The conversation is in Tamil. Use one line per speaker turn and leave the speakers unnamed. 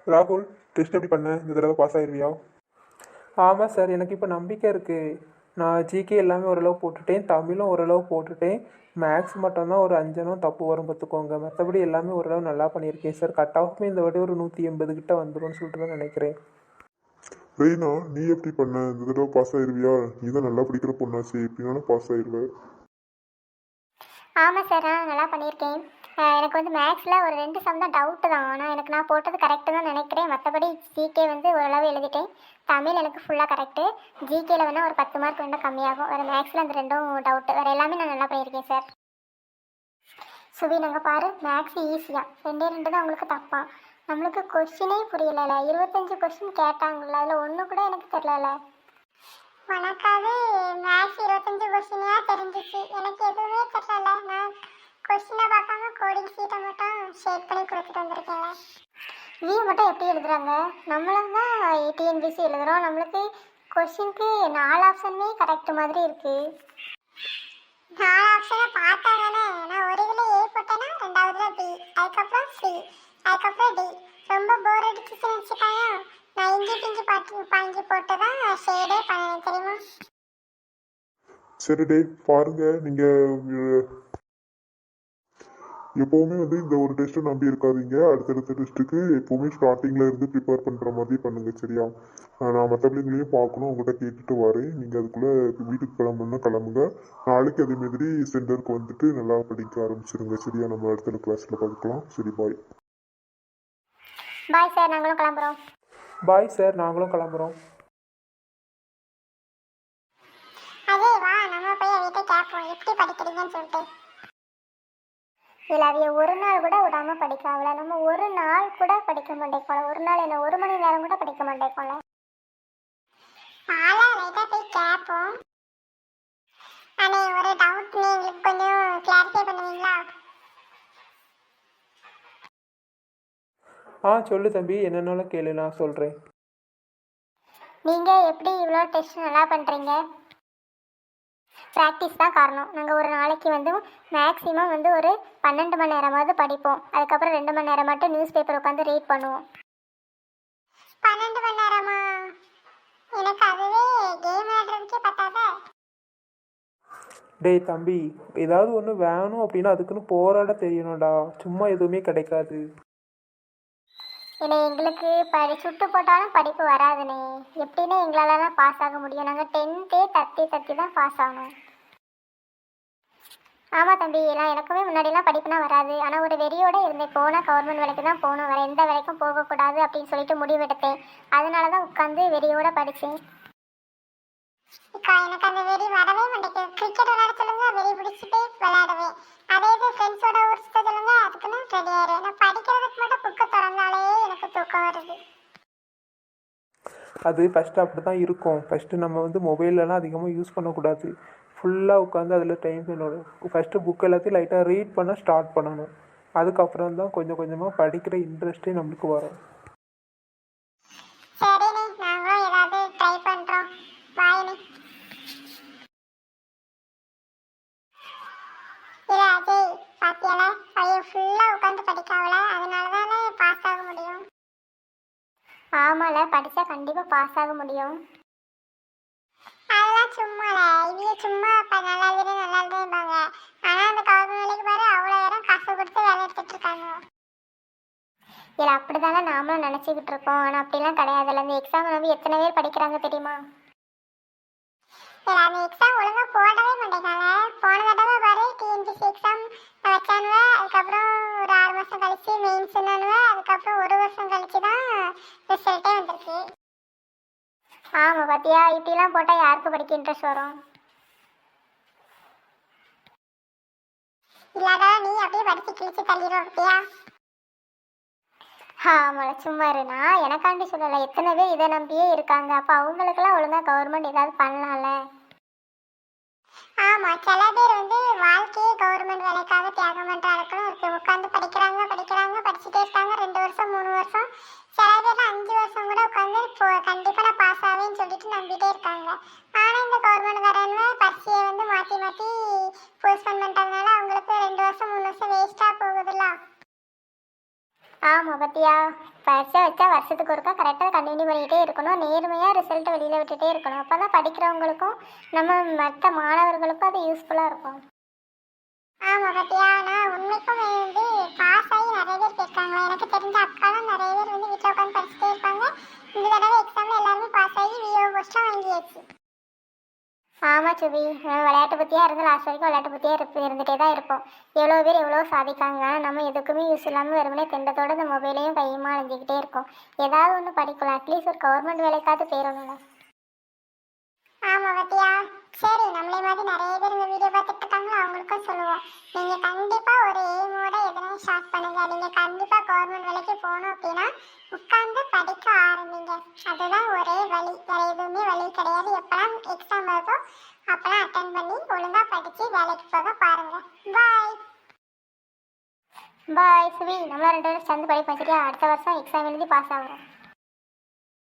ராகுல், டெஸ்ட் எப்படி பண்ண? இந்த தடவை பாஸ் ஆயிருவியா?
ஆமாம் சார், எனக்கு இப்போ நம்பிக்கை இருக்குது. நான் ஜிகே எல்லாமே ஓரளவு போட்டுட்டேன், தமிழும் ஓரளவு போட்டுட்டேன். மேக்ஸ் மட்டும்தான் ஒரு 5 தப்பு வரும் பார்த்துக்கோங்க. மற்றபடி எல்லாமே ஓரளவு நல்லா பண்ணியிருக்கேன் சார். கட் ஆஃப்மே இந்த வாட்டி ஒரு 180 கிட்ட வந்துடும்னு சொல்லிட்டு தான் நினைக்கிறேன்.
ரெய்னா, நீ எப்படி பண்ண? இந்த தடவை பாஸ் ஆயிருவியா? நீ தான் நல்லா படிக்கிற பொண்ணாச்சு, எப்படினாலும் பாஸ் ஆயிருவேன்.
ஆமாம் சார், நான் நல்லா பண்ணியிருக்கேன். எனக்கு வந்து மேக்ஸில் ஒரு 2 சம் தான் டவுட்டு தான். ஆனால் எனக்கு நான் போட்டது கரெக்டு தான் நினைக்கிறேன். மற்றபடி ஜிகே வந்து ஓரளவு எழுதிட்டேன். தமிழ் எனக்கு ஃபுல்லாக கரெக்டு. ஜிகேயில் வேணால் ஒரு 10 மார்க் வேணால் கம்மியாகும். வேறு மேக்ஸில் அந்த 2ம் டவுட்டு. வேறு எல்லாமே நான் நல்லா பண்ணியிருக்கேன் சார். சுவி, நாங்கள் பாரு, மேக்ஸ் ஈஸியாக 2 தான் உங்களுக்கு தப்பா. நம்மளுக்கு கொஸ்டினே புரியல. 25 கொஸ்டின் கேட்டாங்களா, அதில் ஒன்று கூட எனக்கு தெரியல. உனக்காவது மேக்ஸ் 25 கொஸ்டினா தெரிஞ்சிச்சு, எனக்கு எதுவுமே தெரியல. நான் கொஸ்டினை பார்க்காம கோடிங் சீட்டை மட்டும் ஷேட் பண்ணி கொடுத்துட்டு வந்திருக்கேங்க. நீ மட்டும் எப்படி எழுதுறாங்க? நம்மளும் தான் டிஎன்பிசி எழுதுகிறோம். நம்மளுக்கு கொஸ்டினுக்கு 4 ஆப்ஷனுமே கரெக்ட் மாதிரி இருக்கு. 4 ஆப்ஷனை பார்த்தா தானே. நான் ஒரு இதில் ஏ போட்டேன்னா 2வதுல பி, அதுக்கப்புறம் சி, அதுக்கப்புறம் டி. ரொம்ப போர் அடிச்சுன்னு வச்சுக்காங்க. நான் இஞ்சி பிஞ்சி பாஞ்சி போட்டு தான் ஷேடே பண்ணேன், தெரியுமா?
சரி டே, பாருங்க, நீங்க எப்பவுமே வந்து இந்த ஒரு டெஸ்ட்டை நம்பி இருக்காதீங்க. அடுத்தடுத்த டெஸ்ட்டுக்கு எப்பவுமே ஸ்டார்டிங்ல இருந்து ப்ரிப்பேர் பண்ற மாதிரி பண்ணுங்க, சரியா? நான் மற்ற பிள்ளைங்களையும் பார்க்கணும், உங்கள்கிட்ட கேட்டுட்டு வரேன். நீங்க அதுக்குள்ள வீட்டுக்கு கிளம்புனா கிளம்புங்க. நாளைக்கு அதே மாதிரி சென்டருக்கு வந்துட்டு நல்லா படிக்க ஆரம்பிச்சிருங்க, சரியா? நம்ம அடுத்த கிளாஸ்ல பார்க்கலாம். சரி, பாய்.
பாய் சார், நாங்களும் கிளம்புறோம்.
பாய் சார், நாங்களும் கிளம்புறோம்.
அதே வா, நம்ம போய் வீட்டை கேட்போம் எப்படி படிக்கிறீங்கன்னு சொல்லிட்டு. இல்லை, அவைய ஒரு நாள் கூட விடாமல் படிக்காமல. நம்ம ஒரு நாள் கூட படிக்க மாட்டேக்கோல. ஒரு நாள் என்ன, 1 மணி நேரம் கூட படிக்க மாட்டேக்கோல. பாலா லைட்டாக போய் கேட்போம். அண்ணே, ஒரு டவுட், எங்களுக்கு கொஞ்சம் கிளாரிஃபை பண்ணுவீங்களா?
சொல்லு தம்பி, என்னென்னாலும் கேளு, நான் சொல்கிறேன்.
நீங்கள் எப்படி இவ்வளோ டெஸ்ட் நல்லா பண்ணுறீங்க? ப்ராக்டிஸ் தான் காரணம். நாங்கள் ஒரு நாளைக்கு வந்து மேக்ஸிமம் வந்து ஒரு 12 மணி நேரமாவது படிப்போம். அதுக்கப்புறம் 2 மணி நேரம் மட்டும் நியூஸ் பேப்பர் உட்காந்து ரீட் பண்ணுவோம். 12 மணி நேரமா? எனக்கு அதுவே கேம் விளையாடுறதுக்கே பத்தாதா?
டேய் தம்பி, ஏதாவது ஒன்று வேணும் அப்படின்னா அதுக்குன்னு போராட தெரியணும்டா. சும்மா எதுவுமே கிடைக்காது.
இல்லை, எங்களுக்கு சுட்டு போட்டாலும் படிப்பு வராதுண்ணே. எப்படின்னு எங்களாலலாம் பாஸ் ஆக முடியும்? நாங்கள் 10th தத்தி தான் பாஸ் ஆகணும். ஆமாம் தம்பி, எல்லாம் எனக்குமே முன்னாடிலாம் படிப்புனா வராது. ஆனால் ஒரு வெறியோடு இருந்தேன். போனால் கவர்மெண்ட் வேலைக்கு தான் போகணும், வேறு எந்த வேலைக்கும் போகக்கூடாது அப்படின்னு சொல்லிட்டு முடிவெடுத்தேன். அதனால தான் உட்காந்து வெறியோடு படித்தேன். எனக்கு அந்த வெறி வரவே மாட்டேங்குது. கிரிக்கெட் விளையாட சொல்லுங்க, வெறி பிடிச்சிட்டு விளையாடுவேன். அதே இது ஃப்ரெண்ட்ஸோட ஊர் சுத்த சொல்லுங்க, அதுக்குன்னு ரெடி ஆயிடுவேன். நான் படிக்கிறதுக்கு மட்டும் புக்கை திறந்தாலே எனக்கு தூக்கம் வருது.
அது ஃபஸ்ட்டு அப்படி தான் இருக்கும். ஃபஸ்ட்டு நம்ம வந்து மொபைலெலாம் அதிகமாக யூஸ் பண்ணக்கூடாது. ஃபுல்லாக உட்காந்து அதில் டைம் பண்ணணும். ஃபஸ்ட்டு புக் எல்லாத்தையும் லைட்டாக ரீட் பண்ண ஸ்டார்ட் பண்ணணும். அதுக்கப்புறம் தான் கொஞ்சம் கொஞ்சமாக படிக்கிற இன்ட்ரெஸ்ட்டே நம்மளுக்கு வரும்.
சரிண்ணே, நாங்களும் ஏதாவது ட்ரை பண்ணுறோம். பாய்ண்ணே. இல்லை அஜய், பாத்தியால பையன் ஃபுல்லாக உட்காந்து படிக்காவல, அதனால தானே பாஸ் ஆக முடியும். ஆமால, படித்தா கண்டிப்பாக பாஸ் ஆக முடியும். அதெல்லாம் சும்மால, இவங்க சும்மா நல்லா இருப்பாங்க. ஆனால் அந்த கவர்மெண்ட் வேலைக்கு பாரு, அவ்வளோ நேரம் காசு கொடுத்து வேலை எடுத்துட்டு இருக்காங்க. இல்லை, அப்படி தானே நாமளும் நினச்சிக்கிட்டு இருக்கோம். ஆனால் அப்படிலாம் கிடையாதுல்ல. இந்த எக்ஸாம் வந்து எத்தனை பேர் படிக்கிறாங்க தெரியுமா? இல்லை, அந்த எக்ஸாம் ஒழுங்காக போடவே மாட்டேங்காங்க. போன தடவை பாரு, டிஎன்பிசி எக்ஸாம் வச்சானுவ, அதுக்கப்புறம் ஒரு 6 மாதம் கழிச்சு மெயின்ஸ்னானுவ, அதுக்கப்புறம் 1 வருஷம் கழிச்சு தான் ரிசல்ட்டே வந்திருக்கு. ஆமாம், பார்த்தியா, இப்படிலாம் போட்டால் யாருக்கு படிக்க இன்ட்ரெஸ்ட் வரும்? இல்லாத நீ அப்படியே படித்து கிழிச்சு தள்ளிடுவோம், பார்த்தியா? ஆமாம், சும்மா இருனா. எனக்காண்டி சொல்லலை, எத்தனை பேர் இதை நம்பியே இருக்காங்க. அப்போ அவங்களுக்கெல்லாம் ஒழுங்காக கவர்மெண்ட் ஏதாவது பண்ணலாம்ல. ஆமாம், சில பேர் வந்து வாழ்க்கையே கவர்மெண்ட் வேலைக்காக தியாகம் பண்ணுற அளவுக்கு இருக்கு. உட்காந்து படிக்கிறாங்க படிச்சுட்டே இருக்காங்க. 2 வருஷம் 3 வருஷம், சில பேர் 5 வருஷம் கூட உட்காந்து கண்டிப்பாக நான் பாஸ் ஆவேன்னு சொல்லிட்டு நம்பிட்டே இருக்காங்க. ஆனால் இந்த கவர்மெண்ட் காரங்க பரிசையை வந்து மாற்றி போஸ்ட்போன் பண்ணுறதுனால அவங்களுக்கு 2 வருஷம் 3 வருஷம் வேஸ்ட்டாக போகுதுல்ல. ஆமாம், பத்தியா. பரிசை வச்சா வருஷத்துக்கு ஒருக்கா கரெக்டாக கண்டினியூ பண்ணிக்கிட்டே இருக்கணும், நேர்மையாக ரிசல்ட்டை வெளியில் விட்டுட்டே இருக்கணும். அப்போ தான் படிக்கிறவங்களுக்கும் நம்ம மற்ற மாணவர்களுக்கும் அது யூஸ்ஃபுல்லாக இருக்கும். ஆமாம் பத்தியா, நான் உண்மைக்கும் வந்து பாஸ் ஆகி நிறைய பேர் கேட்காங்களா, எனக்கு தெரிஞ்ச அக்காலாம் நிறைய பேர் வந்து வீட்டில் உட்காந்து படிச்சுட்டே இருப்பாங்க. இந்த தடவை எக்ஸாமில் எல்லாருமே பாஸ் ஆகி விஓ போஸ்ட்லாம் வாங்கியாச்சு. ஆமாம் சுபி, நம்ம விளையாட்டு பற்றியாக இருந்து லாஸ்ட் வரைக்கும் விளையாட்டு பற்றியாக இருந்துகிட்டே தான் இருப்போம். எவ்வளோ பேர் எவ்வளோ சாதிக்காங்க, நம்ம எதுக்குமே யூஸ் இல்லாமல் வெறுமனே திண்டத்தோடு இந்த மொபைலையும் கையுமா அழிஞ்சிக்கிட்டே இருக்கோம். ஏதாவது ஒன்று படிக்கலாம், அட்லீஸ்ட் ஒரு கவர்மெண்ட் வேலைக்காவது போயிடணும்ல. ஆமாம் பத்தியா, சரி நம்மளே மாதிரி நிறைய பேர் இந்த வீடியோ பார்த்துட்டு இருக்காங்களோ அவங்களுக்கும் சொல்லுவோம், நீங்கள் கண்டிப்பாக ஒரு எய்மோட எதனா ஸ்டார்ட் பண்ணுங்க. நீங்கள் கண்டிப்பாக கவர்மெண்ட் வேலைக்கு போகணும் அப்படின்னா உட்காந்து படிக்க ஆரம்பிங்க. அதுதான் ஒரே வழி, வேறு எதுவுமே வழி கிடையாது. எப்போலாம் எக்ஸாம் வருதோ அப்போலாம் அட்டன் பண்ணி ஒழுங்காக படித்து வேலைக்கு போக பாருங்கள். பாய் பாய் சுவி, நம்மளாம் 2 பேரும் சேர்ந்து படிப்போம் சரியா? அடுத்த வருஷம் எக்ஸாம் எழுதி பாஸ் ஆகிறோம்.